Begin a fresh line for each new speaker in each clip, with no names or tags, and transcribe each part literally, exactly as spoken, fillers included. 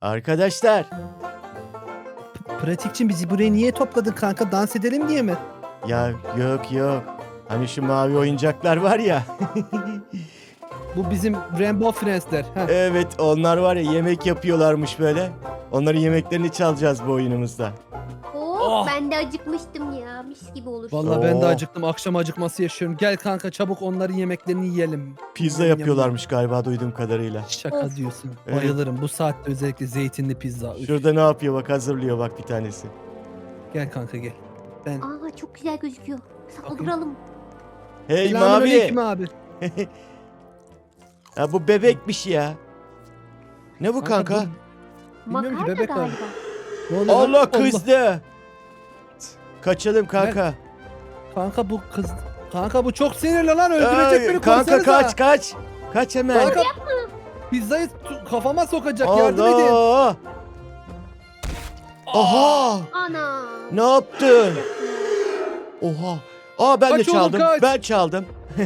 Arkadaşlar.
Pratikçim bizi buraya niye topladın kanka? Dans edelim diye mi?
Ya yok yok. Hani şu mavi oyuncaklar var ya.
Bu bizim Rainbow Friends'ler. Heh.
Evet onlar var ya yemek yapıyorlarmış böyle. Onların yemeklerini çalacağız bu oyunumuzda.
Oo,
Oh.
ben de acıkmıştım ya. Mis gibi olur.
Vallahi ben de
Oo.
acıktım. Akşam acıkması yaşıyorum. Gel kanka çabuk onların yemeklerini yiyelim.
Pizza
Yam, yam,
yapıyorlarmış galiba duyduğum kadarıyla.
Şaka
Of.
diyorsun.
Evet.
Bayılırım. Bu saatte özellikle zeytinli pizza. Üf.
Şurada ne yapıyor bak hazırlıyor bak bir tanesi.
Gel kanka gel. Ben...
Aa, çok güzel gözüküyor.
Bakayım.
Saldıralım.
Hey mavi.
Selamünaleyküm abi.
Ya bu bebekmiş ya. Ne bu kanka?
bu- Bilmiyorum ki,
Makarna
bebek
galiba.
abi. Ne oluyor lan?
Allah kızdı. Kaçalım kanka.
Kanka bu kız... Kanka bu çok sinirli lan. Öldürecek
Ay,
beni.
kanka
Korsanıza.
kaç kaç. Kaç hemen.
Kanka pizzayı tu- kafama sokacak. Yardım edin.
Allah. Aha.
Ana.
Ne yaptın? Oha. Aa ben
Kaç
de
oğlum,
çaldım.
kaç.
Ben çaldım.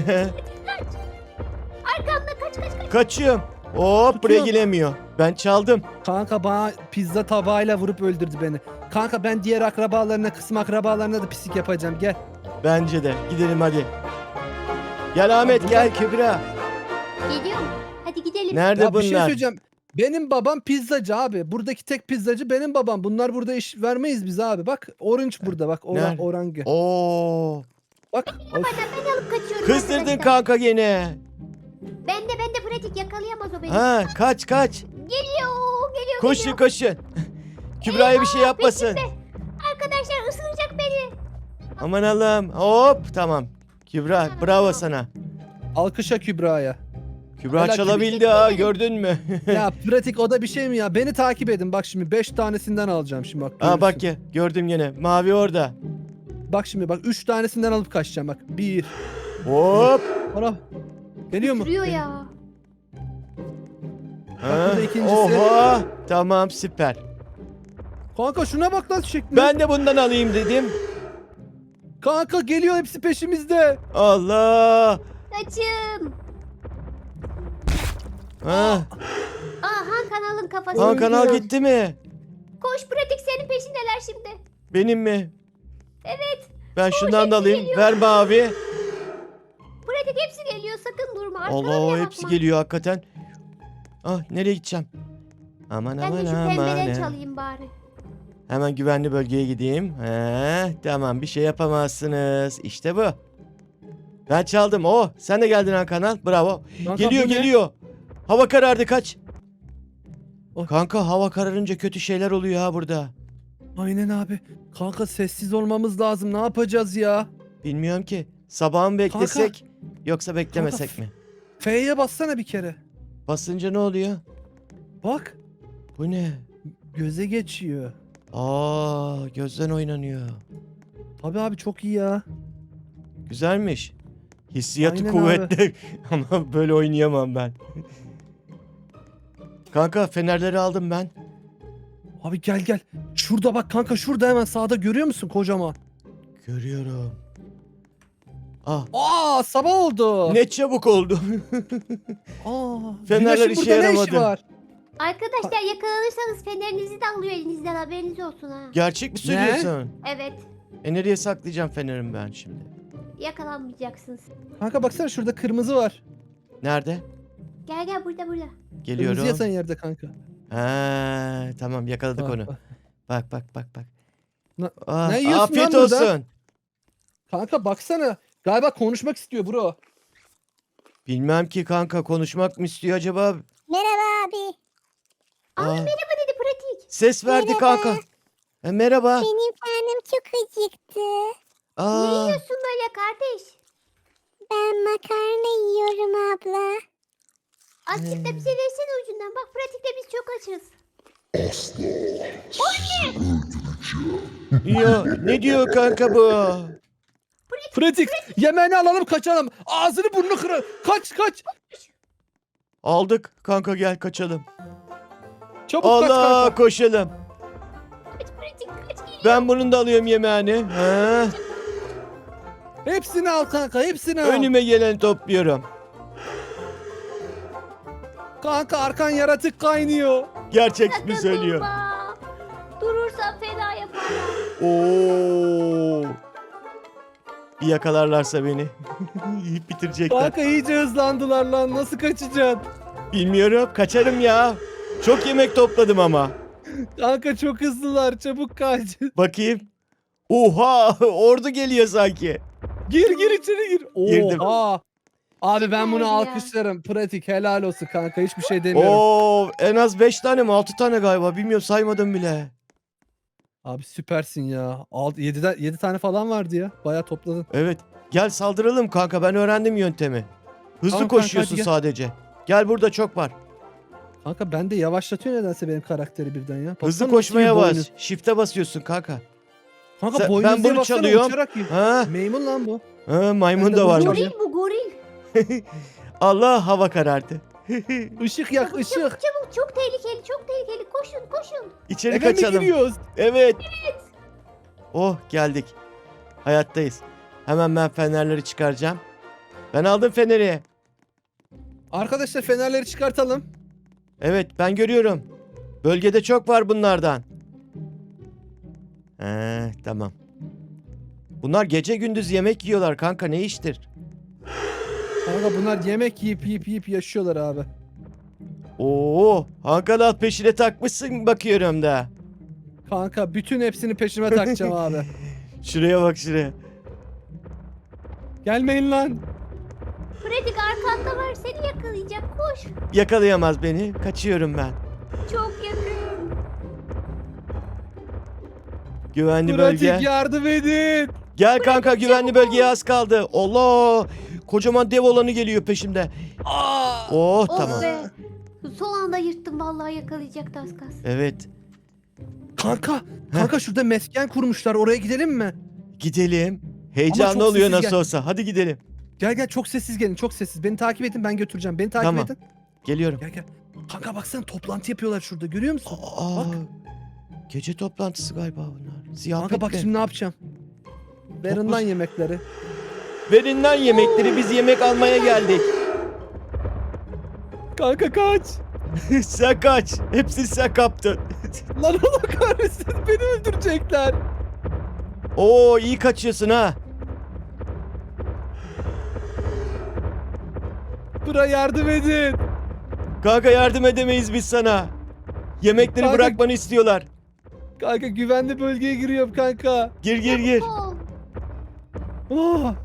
Arkamda kaç kaç kaç.
Kaçıyorum. Hop buraya
Tutuyorum.
gelemiyor. Ben çaldım.
Kanka bana pizza tabağıyla vurup öldürdü beni. Kanka ben diğer akrabalarına, kısım akrabalarına da pislik yapacağım. Gel.
Bence de. Gidelim hadi. Gel Ahmet
Abi,
gel Kübra.
Geliyorum. Hadi gidelim.
Nerede
Ya bir şey
bunlar?
söyleyeceğim. Benim babam pizzacı abi. Buradaki tek pizzacı benim babam. Bunlar burada iş vermeyiz biz abi. Bak orange burada bak. Oran,
Nerede?
orange.
Oo.
Bak. Of.
Bana ben alıp kaçıyorum.
Kızdırdın
arkadaşlar.
kanka gene.
Ben de ben de pratik yakalayamaz o beni.
Ha kaç kaç.
Geliyor. Geliyor.
Koşun
geliyor.
koşun. Kübra'ya bir şey yapmasın.
peşimde. Arkadaşlar ısıracak beni.
Aman Allah'ım. Hop tamam. Kübra bravo sana.
Alkışa Kübra'ya.
Kübra
Helal
çalabildi ha gördün mü?
Ya pratik o da bir şey mi ya? Beni takip edin. Bak şimdi beş tanesinden alacağım şimdi bak.
Aa
görürsün.
bak ya gördüm gene. Mavi orada.
Bak şimdi bak üç tanesinden alıp kaçacağım bak. Bir.
Hop.
Ana. Geliyor mu?
Sürüyor ya.
Ha,
burada ikincisi.
Oha. Tamam süper.
Kanka şuna bak lan şekline.
Ben de bundan alayım dedim.
Kanka geliyor hepsi peşimizde.
Allah.
Kaçın.
Ha.
Aa, Han kanalın kafası.
Han kanal
Öldü.
gitti mi?
Koş pratik senin peşindeler şimdi.
Benim mi?
Evet.
Ben şundan da
hepsi
alayım.
geliyor.
Ver mavi.
Pratik hepsi geliyor sakın durma. Arkana
Allah
bile
hepsi
bakma.
geliyor hakikaten. Ah nereye gideceğim? Aman
Ben de
aman
şu
aman.
pembeden çalayım bari.
Hemen güvenli bölgeye gideyim. He, tamam bir şey yapamazsınız. İşte bu. Ben çaldım. Oh sen de geldin Han kanal. Bravo.
Kanka,
Geliyor
bu ne?
geliyor. Hava karardı kaç.
Oh.
Kanka hava kararınca kötü şeyler oluyor ha burada.
Aynen abi. Kanka sessiz olmamız lazım. Ne yapacağız ya?
Bilmiyorum ki. Sabah mı beklesek yoksa beklemesek
Kanka,
mi?
F'ye bassana bir kere.
Basınca ne oluyor?
Bak.
Bu ne?
Göze geçiyor.
Aa gözden oynanıyor.
Tabii abi çok iyi ya.
Güzelmiş. Hissiyatı
Aynen
kuvvetli ama böyle oynayamam ben. Kanka fenerleri aldım ben.
Abi gel gel. Şurada bak kanka şurada hemen sağda görüyor musun kocaman?
Görüyorum. Ah
Aa sabah oldu.
ne çabuk oldu.
Aa,
Fenerler
güneşin
işe
burada ne işi
yaramadı.
var?
Arkadaşlar yakalanırsanız fenerinizi de alıyor elinizden haberiniz olsun ha.
Gerçek mi söylüyorsun?
Evet.
E nereye saklayacağım fenerimi ben şimdi?
Yakalanmayacaksınız.
Kanka baksana şurada kırmızı var.
Nerede?
Gel gel burada burada.
Geliyorum.
Kırmızı yatan yerde kanka.
Ha, tamam yakaladık
Bak,
onu.
bak.
Bak bak bak bak.
Ne-
Ah,
ne yiyorsun
afiyet
lan burada?
olsun.
Kanka baksana. Galiba konuşmak istiyor bro.
Bilmem ki kanka konuşmak mı istiyor acaba?
Merhaba abi.
Aa,
Aa,
merhaba dedi pratik.
ses verdi
Merhaba.
kanka. E, merhaba.
Benim karnım çok acıktı.
Ne
Aa,
yiyorsun böyle kardeş?
Ben makarna yiyorum abla.
Azıcık da bize versene ucundan. Bak pratikte biz çok açız.
ya, ne diyor kanka bu?
Pratik. Yemeğini alalım kaçalım. Ağzını burnunu kırar. Kaç kaç.
Aldık kanka gel kaçalım.
Çabuk kaç
Allah
kanka.
koşalım.
Kaç pratik kaç geliyor.
Ben bunun da alıyorum yemeğini. Ha,
Hepsini al kanka hepsini al.
önüme geleni topluyorum.
Kanka arkan yaratık kaynıyor.
Gerçek mi
Sakın
söylüyor?
durma. Durursan fena yaparlar.
Oo. Bir yakalarlarsa beni yiyip bitirecekler.
Kanka iyice hızlandılar lan. Nasıl kaçacaksın?
Bilmiyorum, kaçarım ya. Çok yemek topladım ama.
Kanka çok hızlılar. Çabuk kaç.
Bakayım. Oha, ordu geliyor sanki.
Gir gir içeri gir.
Girdim.
Oha. Abi ben bunu
Süper ya.
alkışlarım. Pratik helal olsun kanka. Hiçbir şey demiyorum.
Oo, en az beş tane mi altı tane galiba, bilmiyorum, saymadım bile.
Abi süpersin ya. yedi tane falan vardı ya. Bayağı topladın.
Evet, gel saldıralım kanka, ben öğrendim yöntemi. Hızlı
Tamam kanka,
koşuyorsun
hadi gel.
sadece. Gel, burada çok var.
Kanka ben de yavaşlatıyor nedense benim karakteri birden ya. Baksana
Hızlı
nasıl
koşmaya
bir
bas.
boynuz.
Shift'e basıyorsun kanka.
Kanka
Sen-
boynuz
ben
diye
bunu
baksana,
çalıyorum.
uçarak yiyor.
Ha,
Maymun lan bu.
ha maymun
Ben de
da
bunu
varmış.
çalıyorum.
Goril bu goril.
Allah, hava karardı.
Işık yak
Çabuk,
ışık.
çabuk çabuk. Çok tehlikeli çok tehlikeli. Koşun koşun.
İçeri
Eve mi
kaçalım.
giriyoruz?
Evet. Oh, geldik. Hayattayız. Hemen ben fenerleri çıkaracağım. Ben aldım feneri.
Arkadaşlar fenerleri çıkartalım.
Evet, ben görüyorum. Bölgede çok var bunlardan. He, tamam. Bunlar gece gündüz yemek yiyorlar kanka, ne iştir?
Kanka bunlar yemek yiyip yiyip yiyip yaşıyorlar abi.
Oo, Hakan alt peşine takmışsın bakıyorum da.
Kanka bütün hepsini peşime takacağım abi.
Şuraya bak, şuraya.
Gelmeyin lan.
Pratik arkanda var seni yakalayacak. Koş.
Yakalayamaz beni. Kaçıyorum ben.
Çok yakın.
Güvenli
Pratik
bölge.
yardım edin.
Gel kanka, güvenli bölgeye az kaldı. Allah! Kocaman dev olanı geliyor peşimde.
Aa!
Oh,
Oh
tamam.
be. Son anda yırttım vallahi yakalayacaktı az kalsın.
Evet.
Kanka, kanka şurada mesken kurmuşlar. Oraya gidelim mi?
Gidelim.
Ama
Heyecanlı
çok
oluyor
sessiz
nasıl
gel.
olsa. Hadi gidelim.
Gel gel çok sessiz gelin, çok sessiz. Beni takip edin, ben götüreceğim. Beni takip
Tamam.
edin.
Geliyorum.
Gel gel. Kanka baksana toplantı yapıyorlar şurada. Görüyor musun?
Aa,
Bak.
gece toplantısı galiba bunlar. Ziyafet
Kanka bak
mi?
şimdi ne yapacağım? Verin lan yemekleri.
Verin lan yemekleri, biz yemek almaya geldik.
Kanka kaç.
Sen kaç. Hepsini sen kaptın.
Lan Allah kahretsin, beni öldürecekler.
Oo, iyi kaçıyorsun ha.
Bura yardım edin.
Kanka, yardım edemeyiz biz sana. Yemekleri
Kanka-
bırakmanı istiyorlar.
Kanka güvenli bölgeye giriyorum kanka.
Gir gir gir.
Ol.
Oh.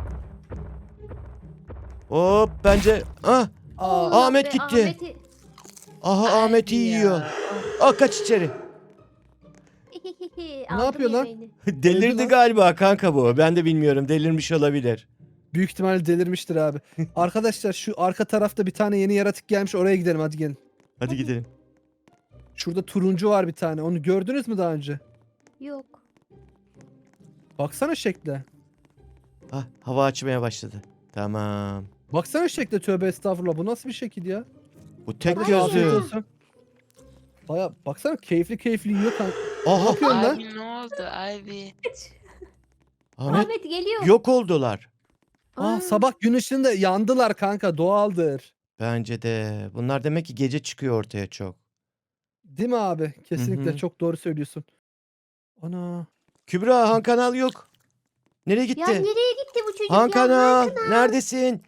Hop, bence. Ah,
Aa,
Allah
Ahmet
be,
gitti.
Ahmet'i.
aha Ahmet'i yiyor. Al, kaç içeri.
Aldım
yapıyor lan?
yemeğini.
Delirdi
lan.
galiba kanka bu. Ben de bilmiyorum. Delirmiş olabilir.
büyük ihtimalle delirmiştir abi. Arkadaşlar şu arka tarafta bir tane yeni yaratık gelmiş, oraya gidelim, hadi gelin.
Hadi gidelim.
Şurada turuncu var bir tane. Onu gördünüz mü daha önce?
Yok.
Baksana şekle.
Ah, hava açmaya başladı. Tamam.
Baksana şekle, tövbe estağfurullah. Bu nasıl bir şekil ya?
Bu tek
Kardeşim, afiyet
gözlü.
olsun. Baya baksana keyifli keyifli yiyor kanka. Ne
Aha,
yapıyorsun lan?
Abi ne oldu abi?
Ahmet
Ahmet geliyor.
yok oldular.
Aa, sabah gün ışığında yandılar kanka, doğaldır.
Bence de. Bunlar demek ki gece çıkıyor ortaya çok.
Değil mi abi? Kesinlikle
Hı hı.
çok doğru söylüyorsun. Ana.
Kübra, Han Kanal yok. Nereye gitti?
Ya nereye gitti bu çocuk
Han
ya?
Kanal, neredesin?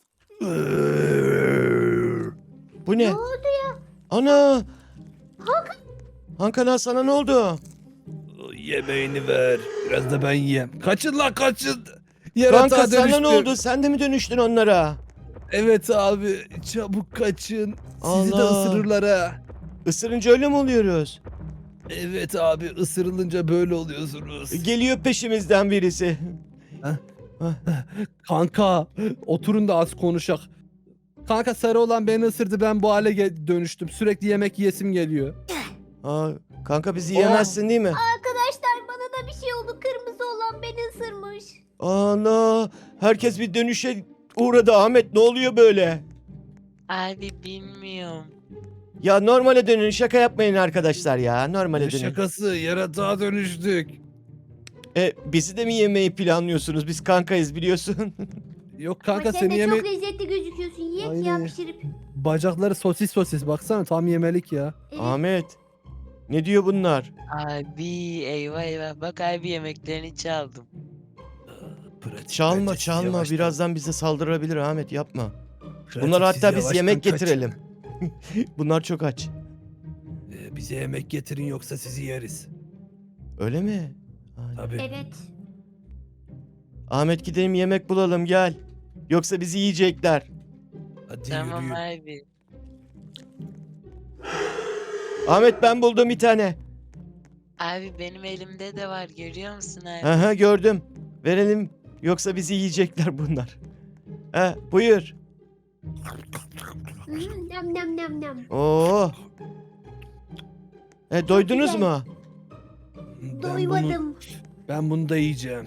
Bu ne?
Ne oldu ya?
Ana! Han Kanal, sana ne oldu?
Yemeğini ver. Biraz da ben yiyeyim. Kaçın lan kaçın.
Kanka,
Yaratığa
sana
dönüştüm.
ne oldu? Sen de mi dönüştün onlara?
Evet abi, çabuk kaçın. Sizi de
Allah.
ısırırlar ha.
Isırınca öyle mi oluyoruz?
Evet abi, ısırılınca böyle oluyorsunuz.
Geliyor peşimizden birisi.
Kanka oturun da az konuşak. Kanka sarı olan beni ısırdı, ben bu hale ge- dönüştüm. Sürekli yemek yiyesim geliyor.
Aa, kanka, bizi yiyemezsin değil mi?
Arkadaşlar bana da bir şey oldu. Kırmızı olan beni ısırmış.
Ana! Herkes bir dönüşe uğradı. Ahmet, ne oluyor böyle?
Abi bilmiyorum.
Ya normale dönün, şaka yapmayın arkadaşlar ya. Normale
Ne
dönün.
şakası, yaratığa dönüştük.
E, bizi de mi yemeyi planlıyorsunuz? Biz kankayız, biliyorsun.
Yok kanka
Ama sen
seni
de
yeme...
çok lezzetli gözüküyorsun. Yiyek ya
Aynen.
pişirip.
Bacakları sosis sosis baksana tam yemelik ya.
Evet.
Ahmet. Ne diyor bunlar?
Abi eyvah eyvah. Bak abi yemeklerini çaldım.
Pratik,
Çalma
bence siz
çalma.
yavaştan-
Birazdan bize saldırabilir Ahmet, yapma.
Pratik,
Bunlara
siz
hatta biz
yavaştan
yemek
kaçın.
getirelim. Bunlar çok aç.
Ee, bize yemek getirin yoksa sizi yeriz.
Öyle mi? Aynen.
Tabii.
Evet.
Ahmet gidelim yemek bulalım gel. Yoksa bizi yiyecekler.
Hadi
Tamam
yürüyün.
abi.
Ahmet ben buldum bir tane.
Abi benim elimde de var görüyor musun abi?
Aha gördüm. Verelim. Yoksa bizi yiyecekler bunlar. He buyur.
Hmm, nam nam nam nam.
Oo. E doydunuz
güzel.
mu?
Ben bunu,
Doymadım.
ben bunu da yiyeceğim.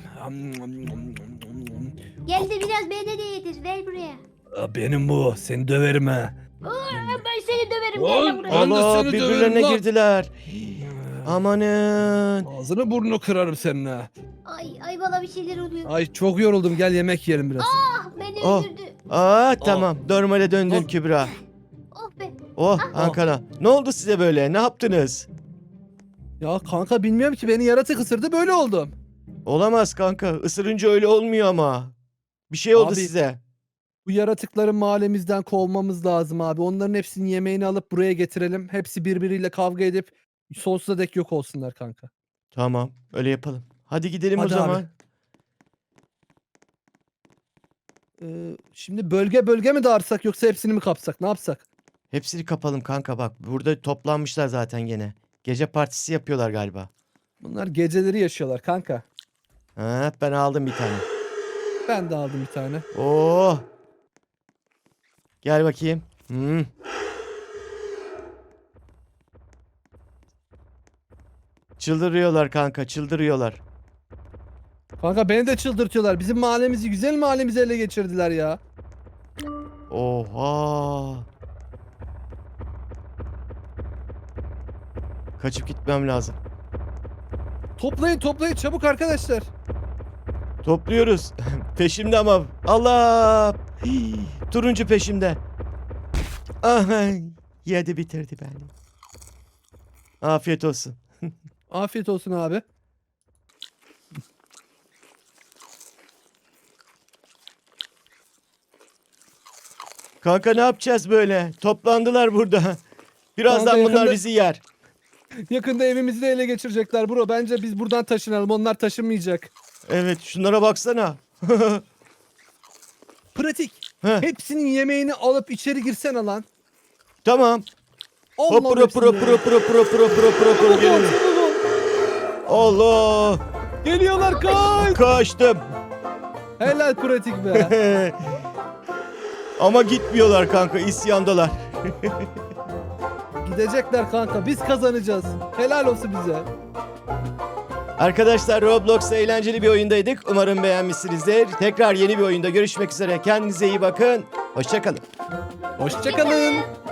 Gel de biraz bana de yedir. Ver buraya.
Aa, benim bu. Seni döverim ha.
Ben seni döverim. Gel
Lan,
de buraya.
lan. Ben de
Allah
seni
birbirlerine
döverim lan.
girdiler. Amanın.
Ağzını burnunu kırarım senin ha.
Ay ay bana bir şeyler oluyor.
Ay çok yoruldum. Gel yemek yiyelim biraz.
Ah beni
Oh.
öldürdü.
Aa tamam normale döndün
Oh.
Kübra.
Oh be.
Oh Ankara. Ne oldu size böyle? Ne yaptınız?
Ya kanka bilmiyorum ki beni yaratık ısırdı böyle oldum.
Olamaz kanka. Isırınca öyle olmuyor ama. Bir şey oldu
Abi-
size.
Bu yaratıkları mahallemizden kovmamız lazım abi. Onların hepsinin yemeğini alıp buraya getirelim. Hepsi birbiriyle kavga edip sonsuza dek yok olsunlar kanka.
Tamam öyle yapalım. Hadi gidelim
Hadi
o
abi.
zaman.
Ee, şimdi bölge bölge mi dağırsak yoksa hepsini mi kapsak? Ne yapsak?
Hepsini kapalım kanka bak. Burada toplanmışlar zaten gene. Gece partisi yapıyorlar galiba.
Bunlar geceleri yaşıyorlar kanka.
Ha, ben aldım bir tane.
Ben de aldım bir tane.
Oo. Gel bakayım. Hmm. Çıldırıyorlar kanka, çıldırıyorlar.
Kanka beni de çıldırtıyorlar. Bizim mahallemizi, güzel mahallemizi ele geçirdiler ya.
Oha. Kaçıp gitmem lazım.
Toplayın toplayın çabuk arkadaşlar.
Topluyoruz. Peşimde ama. Allah. Hii, turuncu peşimde. Aha. Yedi bitirdi beni. Afiyet olsun.
Afiyet olsun abi.
Kanka ne yapacağız böyle? Toplandılar burada. Birazdan
Kanka
bunlar
yakında-
bizi yer.
Yakında evimizi de ele geçirecekler bro. Bence biz buradan taşınalım. Onlar taşınmayacak.
Evet şunlara baksana.
Pratik.
Heh,
Hepsinin yemeğini alıp içeri girsene lan.
tamam.
Allah
Hop pro pro pro pro pro pro pro pro pro gelin. Allah.
Geliyorlar kaç.
Kaçtım.
Helal pratik be.
Ama gitmiyorlar kanka, isyandalar.
Gidecekler kanka. Biz kazanacağız. Helal olsun bize.
Arkadaşlar Roblox'ta eğlenceli bir oyundaydık. Umarım beğenmişsinizdir. Tekrar yeni bir oyunda görüşmek üzere. Kendinize iyi bakın. Hoşça kalın.
Hoşçakalın.